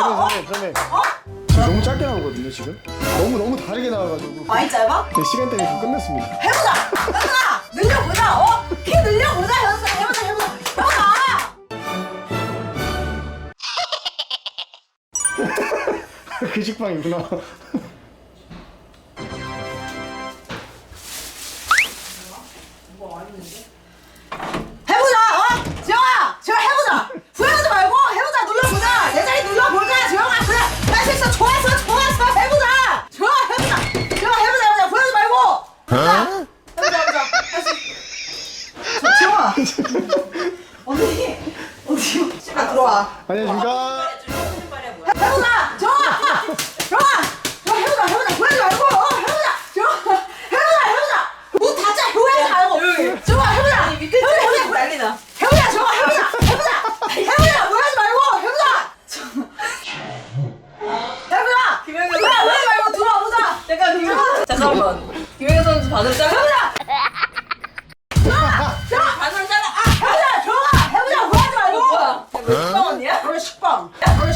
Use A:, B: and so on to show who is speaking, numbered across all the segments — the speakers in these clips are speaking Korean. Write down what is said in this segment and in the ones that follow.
A: 선생님. 지금 너무 짧게 나오거든요 지금. 너무 다르게 나와가지고.
B: 많이 짧아?
A: 제 시간 때문에 지금 끝냈습니다.
B: 해보자! 현수아! 늘려보자! 키 늘려보자 현수아! 해보자!
A: 그 식빵이구나.
B: 해보자! 지영아! 지영아 해보자! 후회하지 말고 해보자! 눌러보자! 내 자리 눌러보자! 지영아 그래! 할 수 있어! 좋았어! 해보자! 지영아 해보자! 지영아 해보자! 후회하지 말고! 해보자! 할 수 있어! 지영아! 어디? 집에 들어와.
A: 안녕하십니까.
B: 해보자! 지영아! 지영아! 해보자! 후회하지 말고! 해보자! 지영아! 해보자! 문 닫자! 후회하지 말고! 지영아 해보자! 해보자!
C: 난리나.
B: 해보자! 지영아 해보자! 후회하지 말고! 해보자!
C: 김영현
B: 후회하지 말고 들어와보자!
C: 잠깐만. 김영현 선수 반응 잘라.
B: 해보자!
C: 반응 잘라.
B: 해보자! 지영아! 해보자! 후회하지 말고!
C: 뭐야? 식빵 언니야?
B: 그래 식빵!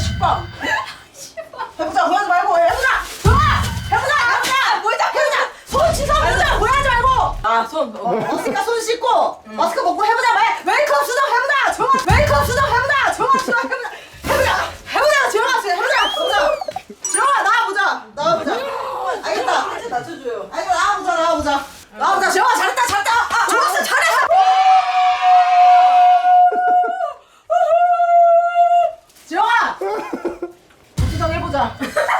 B: 해보자! 후회하지 말고! 해보자! 지영아! 해보자! 손 씻어보자! 후회하지 말고!
C: 아, 손.
B: 마스크가 손 씻고 마스크 먹고 해보자. 메이크업 수정 해보자. 정아 메이크업 수정 해보자. 정아 수정 해보자. 정아 해보자. 정아 나와보자. 알겠다.
C: 살짝 낮춰줘요.
B: 아이고 나와보자. 정아 잘했다. 정아 잘해. 정아 수정해보자.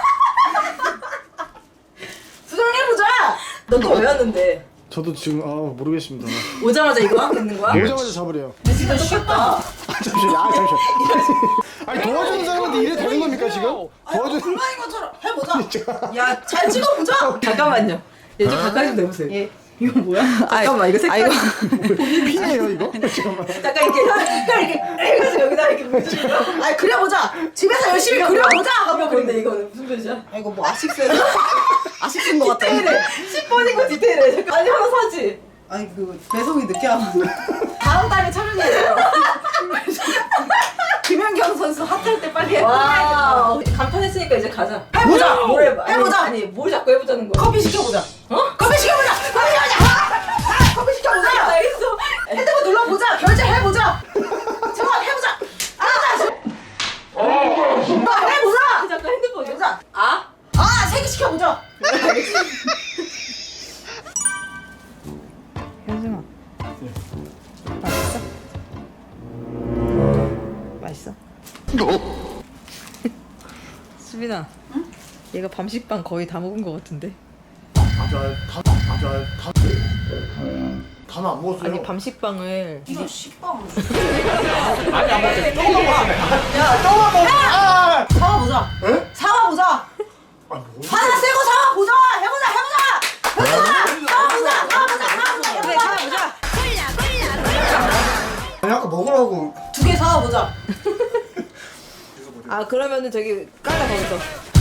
C: 너 또 왜 왔는데?
A: 저도 지금 모르겠습니다.
C: 오자마자 이거 하고 있는 거야?
A: 오자마자 잡으래요.
C: 진짜 똑같다.
A: 잠시만요. 아니 도와주는 사람한테 이래 되는 겁니까 지금? 도와주는.
B: 불만인 것처럼 해보자.
C: 야, 잘 찍어보자. 잠깐만요. 얘 좀 가까이 좀 내보세요.
B: 예.
C: 이거 뭐야? 잠깐만, 이거 색깔.
A: 피네요 이거? 잠깐만.
C: 잠깐 이렇게 해가지고 여기다 이렇게 묻히고.
B: 아니 그려보자. 집에서 열심히 그려보자.
C: 하면 근데 이거는 무슨 뜻이야?
B: 이거 뭐 아식스야? 아식스인 것 같아.
C: 디테일해. 10번인 거 디테일해. 잠깐. 아니, 하나 사지.
B: 아니 그 배송이 늦게 하면 다음 달에 촬영해요. 김연경 선수 핫할 때 빨리
C: 와. 간판했으니까 이제 가자.
B: 해보자.
C: 뭘 해봐.
B: 해보자.
C: 아니, 뭘 자꾸 해보자는 거야.
B: 커피 시켜보자.
C: 어?
B: 커피 시켜보자. 커피 시켜보자.
C: 알겠어.
B: 핸드폰 눌러보자. 결제해보자. 정말 해보자. 해보자.
C: 잠깐 핸드폰.
B: 해보자.
C: 아?
B: 세개 시켜보자.
D: 현승아 맛있어? 수빈아 응? 얘가 밤식빵 거의 다 먹은 거 같은데
A: 다는 안 먹었어요.
D: 아니 밤식빵을
B: 이거 식빵.
A: 아니 안 먹었어요.
B: 야, 사와보자.
A: 에?
B: 사와보자.
A: 아니 뭐?
B: 하나 세고 사와보자. 해보자. 사와보자.
D: 그래 사와보자
A: 아니 아까 먹으라고.
B: 2개 사와보자.
D: 아 그러면은 저기 깔라 거기서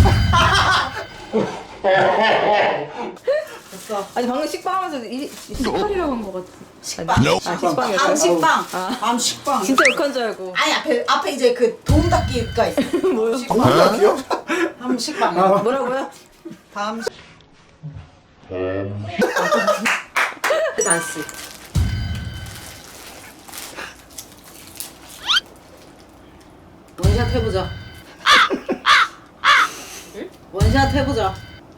B: 됐어.
D: 아니 방금 식빵 하면서 식빵이라고 한 거 같아
B: 식빵.
D: 아 식빵이었어?
B: 밤식빵.
D: 아.
B: 밤식빵.
D: 진짜 욕한 줄 알고
B: 아니 앞에 이제 그 도움 닫기가 있어.
D: 뭐요?
A: 도움닫기요?
B: 밤식빵.
D: 뭐라고요?
B: 밤.
C: 단스.
B: 원샷 해보자. 원샷 해보자.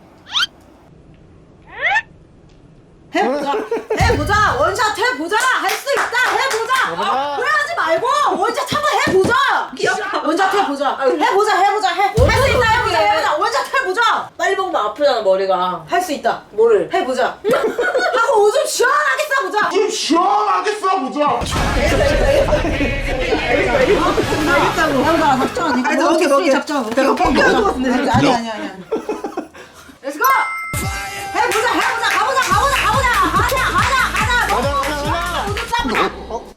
B: 해보자. 원샷 해보자. 할 수 있다. 해보자. 그래하지 말고 원샷 한번 해보자.
C: 귀엽다.
B: 원샷 해보자. 해보자. 할 수 있다. 해보자. 원샷 해보자.
C: 빨리 먹으면 아프잖아, 머리가.
B: 할 수 있다.
C: 뭐를?
B: 해보자. 하고 오줌 시원하게 싸보자.
A: 좀 시원하게 싸보자.
B: 알겠다고. 해보자. 작전. 이거 먹게. 작전. 내가 뻥뻥할 것 같은데. 아니. Let's go. 해보자. 가보자. 오줌 싸보자.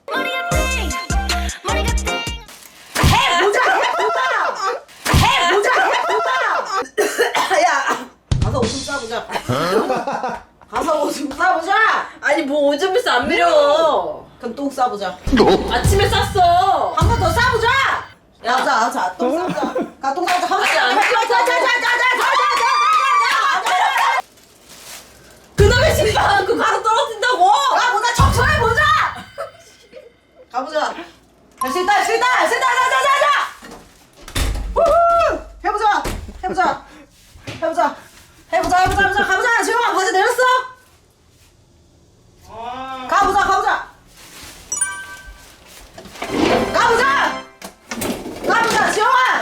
B: 해보자. 야. 가서 오줌 싸보자.
C: 아니, 뭐 오줌을 싸 안 밀어.
B: 그럼 똥 싸보자.
C: 아침에 쌌어.
B: 한 번 더 싸보자. 자, 똥 싸우자. 가, 똥 싸우자. 가보자.
C: 그놈의 신발 그 가로 떨어진다고.
B: 가보자, 청소해보자! 가보자. 할 수 있다, 할 수 있다, 할 수 있다, 자! 우후! 해보자. 가보자. 지영아, 바지 내렸어? 가보자. 지영아,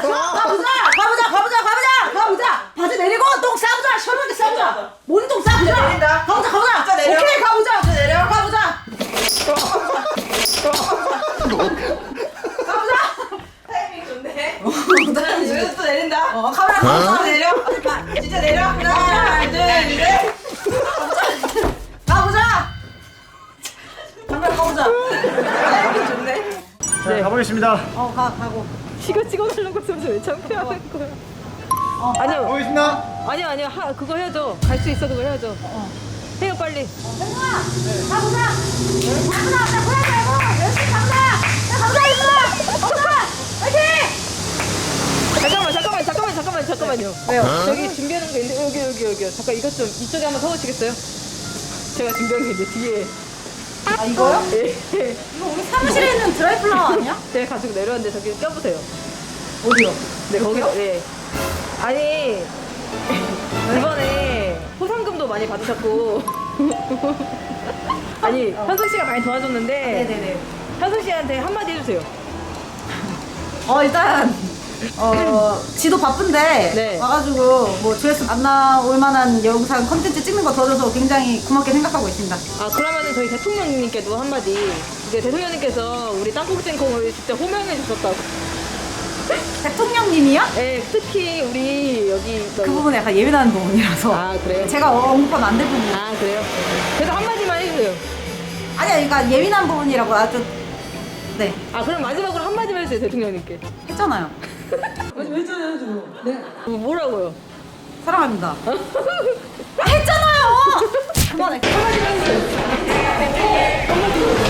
B: 가보자. 바지 내리고 똥 싸보자. 시원하게 싸보자. 뭔 똥 싸보자.
C: 내린다.
B: 가보자.
C: 진짜 내려.
B: 오케이, 가보자.
C: 진짜 내려.
B: 가보자.
C: 타이밍 좋네. 여기서 또 내린다.
B: 가보자.
C: 내려. 진짜 내려. 하나, 둘, 셋.
B: 가보자. 잠깐 가보자.
C: 타이밍 좋네.
A: 자, 가보겠습니다.
B: 가고.
D: 이거 찍어달라고 해서 왜 창피하는 거야? 아니요.
A: 가보겠습니다.
D: 아니요. 그거 해야죠. 갈 수 있어, 그거 해야죠. 해요, 빨리.
B: 가보자. 나 보내지 말고 열심히 가보자. 얘들아. 화이팅!
D: 잠깐만요. 왜요? 저기 준비하는 게 있는데, 여기요. 잠깐, 이것 좀, 이쪽에 한번 서보시겠어요? 제가 준비한 게 있는데, 뒤에.
B: 아, 이거요?
D: 예.
B: 이거 우리 사무실에 있는 드라이플라워 아니야?
D: 제가 가지고 내려왔는데, 저기 껴보세요.
B: 어디요?
D: 네, 거기, 네. 아니, 이번에 포상금도 많이 받으셨고. 아니, 현숙 씨가 많이 도와줬는데.
B: 네네네.
D: 현숙 씨한테 한마디 해주세요.
B: 일단 지도 바쁜데
D: 네.
B: 와가지고 뭐 조회수 안 나올 만한 영상 컨텐츠 찍는 거 도와줘서 굉장히 고맙게 생각하고 있습니다.
D: 아, 그러면은 저희 대통령님께도 한마디. 이제 대통령님께서 우리 땅콩찜콩을 진짜 호명해 주셨다고.
B: 대통령님이요?
D: 네, 특히 우리 여기
B: 그 부분은 약간 예민한 부분이라서
D: 아, 그래요?
B: 제가 언급하면 안 될 부분.
D: 아, 그래요? 그래도 한마디만 해주세요.
B: 아니야, 그러니까 예민한 부분이라고 아주 네
D: 아, 그럼 마지막으로 한마디만 해주세요, 대통령님께.
B: 했잖아요.
D: 뭐라고요?
B: 사랑합니다. 했잖아요. 그만해. 한마디만 해주세요.